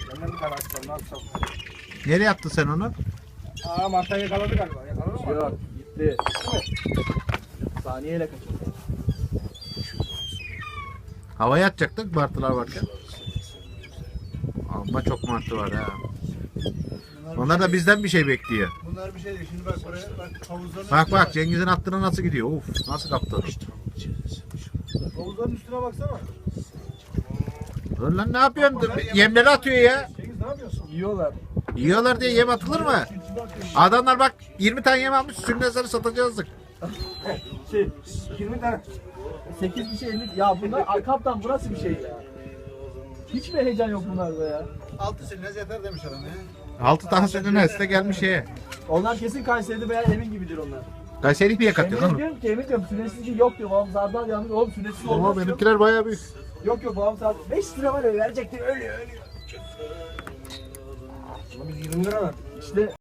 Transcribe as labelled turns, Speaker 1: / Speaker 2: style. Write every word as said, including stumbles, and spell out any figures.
Speaker 1: Benden bir tane açsam ne yapsam?
Speaker 2: Nereye attın sen onu?
Speaker 1: Aa Marta'yı yakaladı galiba. Yakaladı mı?
Speaker 3: Yok gitti. Saniyeyle kaçırdı.
Speaker 2: Havaya atacaktık martılar varken. Ama çok martı var ha. Onlar da bizden bir şey bekliyor.
Speaker 1: Bunlar bir şey değil. Şimdi bak buraya bak havuzların
Speaker 2: Bak bak Cengiz'in attığına nasıl gidiyor? Uf nasıl kaptı?
Speaker 1: havuzların üstüne baksana.
Speaker 2: Dur lan ne yapıyorsun? Yemleri atıyor ya.
Speaker 1: Cengiz ne yapıyorsun?
Speaker 3: Yiyorlar.
Speaker 2: Yiyorlar diye yem atılır mı? Adamlar bak yirmi tane yem almış sünnesleri satacağızdık.
Speaker 3: Şey,
Speaker 1: yirmi tane.
Speaker 3: sekiz kişi elli. Ya bunlar kaptan bu nasıl bir şey ya? Hiç mi heyecan yok bunlarda ya?
Speaker 1: Altı silmez yeter demiş adam ya.
Speaker 2: Altı tane sünnes de gelmiş şeye.
Speaker 3: Onlar kesin Kayseri'de veya Emin gibidir onlar.
Speaker 2: Kayseri bir katıyor
Speaker 3: Emin
Speaker 2: lan.
Speaker 3: diyorum ki Emin diyorum sünnesiz ki yok diyor. Babam zardan yanıyor. Oğlum sünnesiz
Speaker 2: Ama
Speaker 3: olmaz.
Speaker 2: benimkiler bayağı büyük.
Speaker 3: Yok yok babam zardan. beş lira var öyle verecekti ölüyor ölüyor.
Speaker 1: Ulan biz yirmi lira verdik.
Speaker 3: İşte